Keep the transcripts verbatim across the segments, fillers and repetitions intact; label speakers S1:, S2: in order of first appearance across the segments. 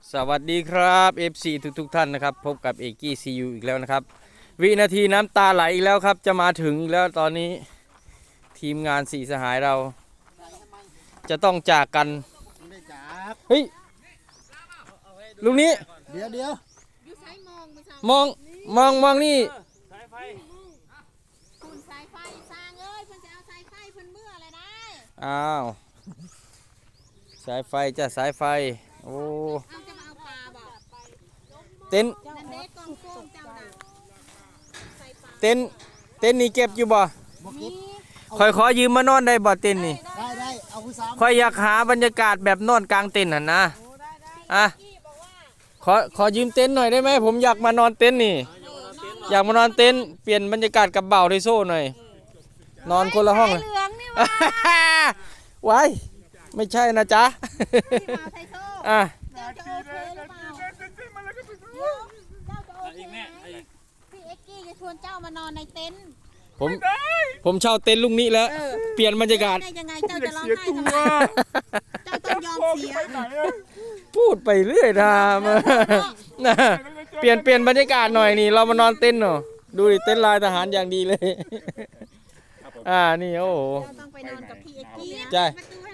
S1: สวัสดีครับ เอฟ ซี ทุกทุกท่านนะครับพบกับเอกกี้ซียูอีกแล้วนะครับวินาทีน้ำตาไหลอีกแล้วครับจะมาถึงแล้วตอนนี้ทีมงานสี่สหายเราจะต้องจากกันเฮ้ยลุงนี้
S2: เดี๋ยวเดี๋ยว
S1: มองมองมองนี่
S3: คุณสายไฟสร้างเอ้ยเพิ่นจะเอาสายไฟเพิ่นเมื่ออะไรได้
S1: อ้าวสายไฟจ้ะสายไฟโอ้
S3: เอาจะมาเอาปลาบ่
S1: เต็น
S3: นั่นเด็กกองโค้งเจ้าน่ะ
S1: เต็นเต็นนี่เก็บอยู่บ่คอยขอยืมมานอนได้บ่เต็นนี่
S2: ได้ได้เอาผู้สาว
S1: คอยอยากหาบรรยากาศแบบนอนกลางเต็นท์หั่นนะอ่ะขอขอยืมเต็นท์หน่อยได้ไหมผมอยากมานอนเต็นท์นี่อยากมานอนเต็นท์เปลี่ยนบรรยากาศกับเบาที่โซ่หน่อยนอนคนละห้องเลยว้ายไม่ใช่นะจ๊ะอ่ะ
S3: พี่เอ็กกี้จะชวนเจ้ามานอนในเต็นท์
S1: ผมผมเช่าเต็นท์ลุงนี้แล้วเปลี่ยนบรรยากาศ
S3: ได้ยังไงเจ้าจะร้องไห้ทำไมเจ้าต้องยอมเสีย
S1: พูดไปเรื่อยนะนะเปลี่ยนเปลี่ยนบรรยากาศหน่อยนี่เรามานอนเต็นท์เนาะดูดิเต็นท์ลายทหารอย่างดีเลยอ่านี่โอ้โห
S3: ต้องไปนอนกับพี่เอ็กกี้
S1: ใช่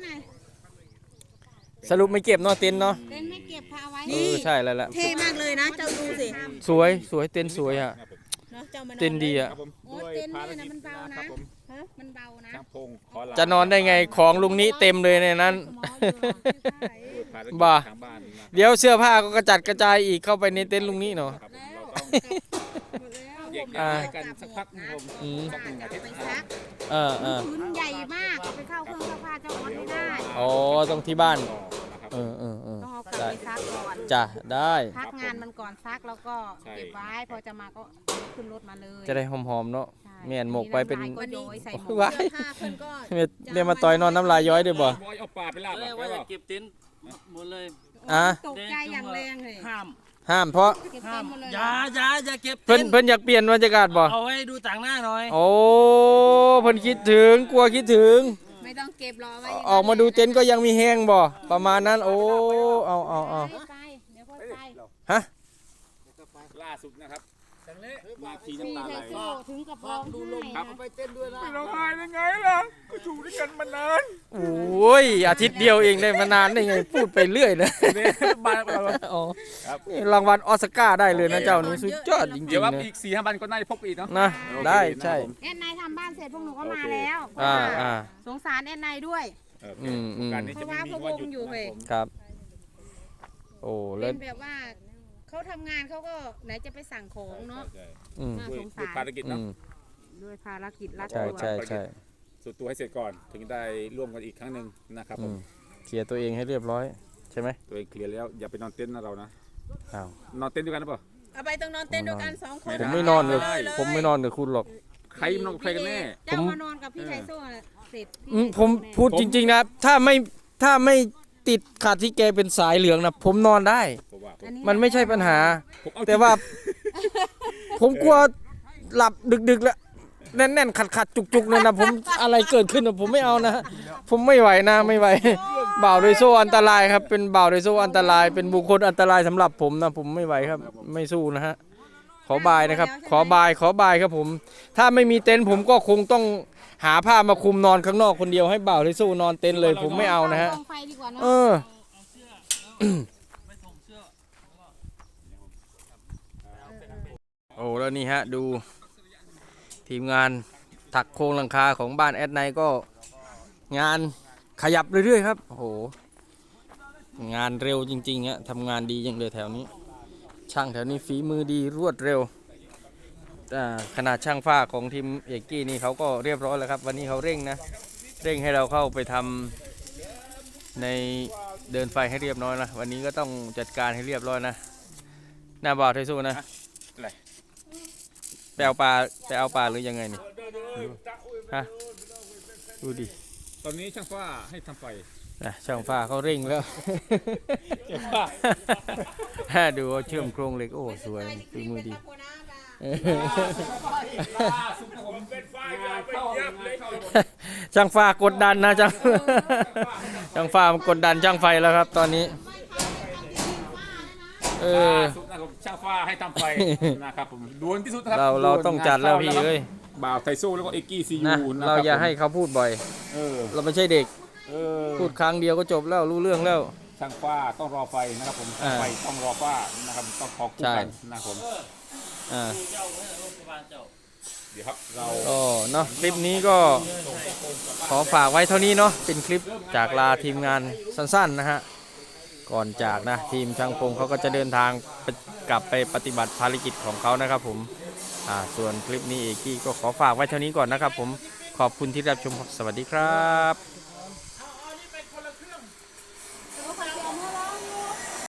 S1: สรุปไม่เก็บเนาะเต็นท์เนาะ
S3: เต็นท์ไม่เก็บพาไว้
S1: เออใช่แล้วแหละ
S3: เท่มากเลยนะเจ้าดูสิ
S1: สวยสวยเต็นท์สวยอ่ะเต็นท์ดีอ่ะ
S3: โอ้เต็นท์นี่นะมันเบานะมันเบานะ
S1: จะนอนได้ไงของลุงนี้เต็มเลยในนั้นบ้าเดี๋ยวเสื้อผ้าก็กระจัดกระจายอีกเข้าไปในเต็นท์ลุงนี้เนาะ
S2: อ่ากันสักพักนึงผม
S3: สักหนึ่งอาทิตย์ซัก
S1: เออเออ
S3: พื้นใหญ่มากไปเข้าเครื่องซักผ้าเจ้าออดไม่ได้
S1: อ๋อต้องที่บ้านเออเออเออ
S3: ต้องเอากลับไปซักก่อน
S1: จ้ะได้
S3: พักงานมันก่อนซักแล้วก็เก็บไว้พอจะมาก็ขึ้นรถมาเลย
S1: จะได้หอมๆเนาะแม่นหมกไปเป็น
S3: ว้าย
S1: เรียกมาต่อยนอนน้ำลายย้อยด้วยบ่
S2: เอาปลาไปลาบ
S4: ว่าจะเก็บเต็นท์หมดเลย
S1: อ่ะ
S3: ตกใจอย่างแรงเลย
S4: ห้าม
S1: ห้ามเพราะ
S4: ห้ามอย่าอย่าอย่าเก็บ
S1: เพิ่นเพิ่นอยากเปลี่ยนบรรยากาศบ่
S4: เอาให้ดูต่างหน้าหน่อย
S1: โอ้เพิ่นคิดถึงกลัวคิดถึง
S3: ไม่ต้องเก็บรอไว้
S1: ออกมาดูเต็นท์ก็ยังมีแห้งบ่ประมาณนั้นโอ้เอาเอาเอาฮะ
S2: ล่าสุดนะครับ
S3: มาทีน้ำตาไหลถึงกับร้องไห้นะ
S2: ไปเต้นด้วยนะ
S4: ร้องไห้ยังไงล่ะอยู่ด้วยกันมานาน
S1: โอ้ยอาทิตย์เดียวเองได้มานานได้ไงพูดไปเรื่อยนะอ๋อรางวัลออสการ์ได้เลยนะเจ้านี่สุดยอดจริงๆ
S2: เดี๋ยวว่าอีกสี่ห้าวันก็น่าจะพบอีกเนาะ
S1: นะได้ใช่
S3: แอนนายทำบ้านเสร็จพวกหนูก็มาแล้ว
S1: อ่าอ่า
S3: สงสารแอนนายด้วย
S1: อืมอืม
S3: เพราะว่าพวกวงอยู่เลย
S1: ครับโอ้เล่น
S3: แบบว่าเขาทำงานเขาก็ไหนจะไปสั่งของเนาะน่าสงสาร
S2: ภารกิจเนาะ
S3: ด้วยภารกิจรัด
S1: ใช่ใช่ใช่
S2: สุดตัวให้เสร็จก่อนถึงได้ร่วมกันอีกครั้งหนึ่งนะครับผม
S1: เคลียร์ตัวเองให้เรียบร้อยใช่ไหม
S2: ตัวเองเคลียร์แล้วอย่าไปนอนเต็นท์นะเรานะ
S1: อ้า
S2: วนอนเต็นท์ด้วยกันหรือเปล่า
S3: เอาไปต้องนอนเต็นท์ด้วยกันสองคน
S1: ผมไม่นอนเลยผมไม่นอนกับคุณหรอก
S2: ใครนอนใครกันแน่
S3: เจ้ามานอนกับพี่ชายโซ่เสร็จ
S1: ผมพูดจริงๆนะถ้าไม่ถ้าไม่ติดขาดที่แกเป็นสายเหลืองนะผมนอนได้มันไม่ใช่ปัญหาแต่ว่าผมกลัวหลับดึกๆแล้วแน่นๆขัดๆจุกๆเลยนะผมอะไรเกิดขึ้นผมไม่เอานะผมไม่ไหวนะไม่ไหวบ่าวโดยโซ่อันตรายครับเป็นบ่าวโดยโซ่อันตรายเป็นบุคคลอันตรายสำหรับผมนะผมไม่ไหวครับไม่สู้นะฮะขอบายนะครับขอบายขอบายครับผมถ้าไม่มีเต็นท์ผมก็คงต้องหาผ้ามาคลุมนอนข้างนอกคนเดียวให้บ่าวโดยโซ่นอนเต็นท์เลยผมไม่เอานะฮะเออโอ้แล้วนี่ฮะดูทีมงานถักโครงหลังคาของบ้านแอดไนก็งานขยับเรื่อยๆครับโอ้โหงานเร็วจริงๆฮะทำงานดีอย่างเลยแถวนี้ช่างแถวนี้ฝีมือดีรวดเร็วขนาดช่างฝ้าของทีมเอกกี้นี่เขาก็เรียบร้อยแล้วครับวันนี้เขาเร่งนะเร่งให้เราเข้าไปทำในเดินไฟให้เรียบร้อยนะวันนี้ก็ต้องจัดการให้เรียบร้อยนะหน้าบ่าวไทสู้นะไปเอาปลาไปเอาปลาหรือยังไงนี่ฮะดูดิ
S2: ตอนนี้ช่างฟ้าให้ทำไฟ
S1: นะช่างฟ้าเขาเร่งแล้วดูเชื่อมโครงเหล็กโอ้สวยฝีมือดีช่างฟ้ากดดันนะช่างช่างฟ้ามันกดดันช่างไฟแล้วครับตอนนี้เออ
S2: ล่าสุดนะครับช่างฟ้าให้ทำไฟ นะครับผมด่วนที่สุดนะครับ
S1: เราเรา
S2: ด่วน
S1: ต้องจัดแล้วพี่
S2: งานข้า
S1: เอ้ย
S2: บ่าวไทโซ่แล้วก็เอ็กกี้ซี
S1: นะ
S2: ยูนะ
S1: เรา
S2: ครับ
S1: อย่า
S2: ผม
S1: ให้เขาพูดบ่อย
S2: เออ
S1: เราไม่ใช่เด็ก
S2: เออ
S1: พูดครั้งเดียวก็จบแล้วรู้เรื่องแล้ว
S2: ช่างฟ้าต้องรอไฟนะครับผม
S1: อ่า
S2: ไฟต้องรอฟ้านะครับต้องขอคู่
S1: ใช่
S2: กันนะครับผม
S1: อ่า
S4: เจ้าเนี่ยโรงพยาบาลเจ้า
S2: เดี๋ยวครับเรา
S1: ก็เนาะคลิปนี้ก็ขอฝากไว้เท่านี้เนาะเป็นคลิปจากลาทีมงานสั้นๆนะฮะก่อนจากนะทีมช่างพงเขาก็จะเดินทางไปกลับไปปฏิบัติภารกิจของเขานะครับผมอ่าส่วนคลิปนี้เอกกี้ก็ขอฝากไว้เท่านี้ก่อนนะครับผมขอบคุณที่รับชมครับสวัสดีครับ